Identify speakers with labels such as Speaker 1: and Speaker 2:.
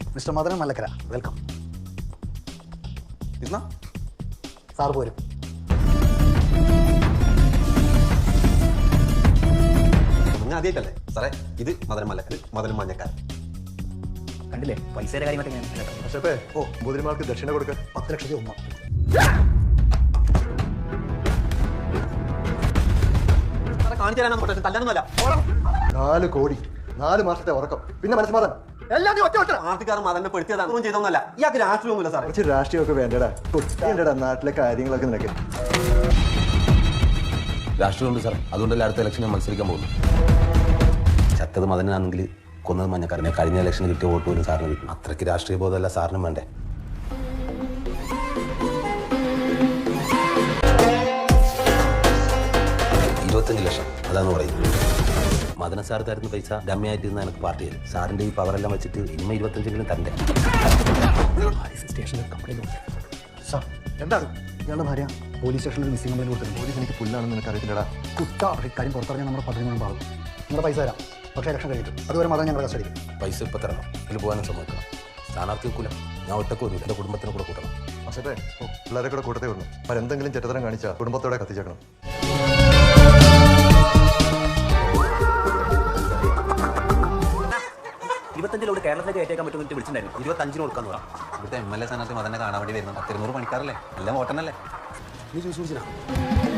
Speaker 1: Mister Madanan Mallakkara, welcome. Sir പോരും.
Speaker 2: ആദ്യമായിട്ടല്ലേ സാറേ ഇത് മദനൻ മല്ലക്കര, മദനൻ മഞ്ഞക്കാരൻ.
Speaker 1: കണ്ടില്ലേ പൈസയുടെ കാര്യമായിട്ട് ഞാൻ
Speaker 3: ബുദ്ധിമാർക്ക് ദക്ഷിണ കൊടുക്ക
Speaker 1: 10 ലക്ഷത്തി 1.
Speaker 2: കാണിച്ചു തരാനാണ് കൊട്ടേഷൻ, തല്ലാനൊന്നുമല്ല.
Speaker 3: 4 കോടി 4 മാസത്തെ ഉറക്കം, പിന്നെ മനസ്സമാധാനം എല്ലാം നീ ഒറ്റ
Speaker 2: ആർട്ടിക്കാർ മദനെ പെടുത്തിയതാണ്, ഒന്നും ചെയ്തൊന്നല്ല. ഇയാൾക്ക് രാഷ്ട്രീയമൊന്നുമില്ല സാറേ.
Speaker 3: കുറച്ച് രാഷ്ട്രീയമൊക്കെ വേണ്ടടാ, കുട്ടിയുണ്ടടാ നാട്ടിലെ കാര്യങ്ങളൊക്കെ നിനക്ക്.
Speaker 4: രാഷ്ട്രീയമുണ്ട് സാർ, അതുകൊണ്ടല്ലേ അടുത്ത ഇലക്ഷനിൽ മത്സരിക്കാൻ പോകുന്നു. ചത്തത് മദനാണെങ്കിൽ കൊന്നത് മഞ്ഞക്കാരനെ. കഴിഞ്ഞ ഇലക്ഷന് കിട്ടിയ വോട്ട് പോലും സാറിന് കിട്ടും. അത്രയ്ക്ക് രാഷ്ട്രീയ ബോധമല്ല സാറിനും വേണ്ടേ. $25 ലക്ഷം അതാന്ന് പറയുന്നത്. മദന സാർ തരുന്ന പൈസ ഡമ്മിയായിട്ടിരുന്ന എനിക്ക് പാർട്ടി തരും. സാറിൻ്റെ ഈ പവറെല്ലാം വെച്ചിട്ട് ഇനിമ 25 തരണ്ടേ.
Speaker 1: സ്റ്റേഷനിൽ കംപ്ലൈൻറ്റ് കൊടുത്തു. സാർ എന്താണ് ഇയാളുടെ ഭാര്യ പോലീസ് സ്റ്റേഷനിൽ മിസ്സിംഗ് കംപ്ലൈൻറ്റ് കൊടുത്തിട്ടുണ്ട്.
Speaker 3: പോലീസ് എനിക്ക് പുല്ലാണെന്ന് നിനക്ക് അറിയത്തില്ലടാ.
Speaker 1: കുട്ട കാര്യം പുറത്തിറങ്ങിയാൽ നമ്മുടെ 13 ഭാഗം. നിങ്ങളുടെ പൈസ തരാം, പക്ഷേ ഇലക്ഷൻ കഴിഞ്ഞിട്ട്. അതുവരെ മദൻ ഞങ്ങളുടെ കസ്റ്റഡിയിൽ.
Speaker 4: പൈസ ഇപ്പം തരണം, ഇതിൽ പോകാനും സമ്മതിക്കണം. സ്ഥാനാർത്ഥി വെക്കൂല, ഞാൻ ഒറ്റക്ക് വരില്ല, എൻ്റെ കുടുംബത്തിനെ കൂടെ കൂട്ടണം.
Speaker 3: പക്ഷേ പിള്ളേരെ കൂടെ കൂട്ടത്തേ ഉള്ളൂ. അവരെന്തെങ്കിലും ചെറ്റത്തരം കാണിച്ചാൽ കുടുംബത്തോടെ കത്തിച്ചേക്കണം.
Speaker 5: 25 കേരളത്തിലേക്ക് കയറ്റേക്കാൻ പറ്റുമെന്ന് വിളിച്ചിട്ടുണ്ടായിരുന്നു.
Speaker 2: 25 കൊടുക്കാന്ന് പറയാം. ഇവിടുത്തെ MLA സ്ഥാനാർത്ഥി മദനെ കാണാൻ വേണ്ടി വരുന്നത് 200 പണിക്കാരല്ലേ, എല്ലാം വോട്ടനല്ലേ.
Speaker 1: നീ ചോദിച്ചു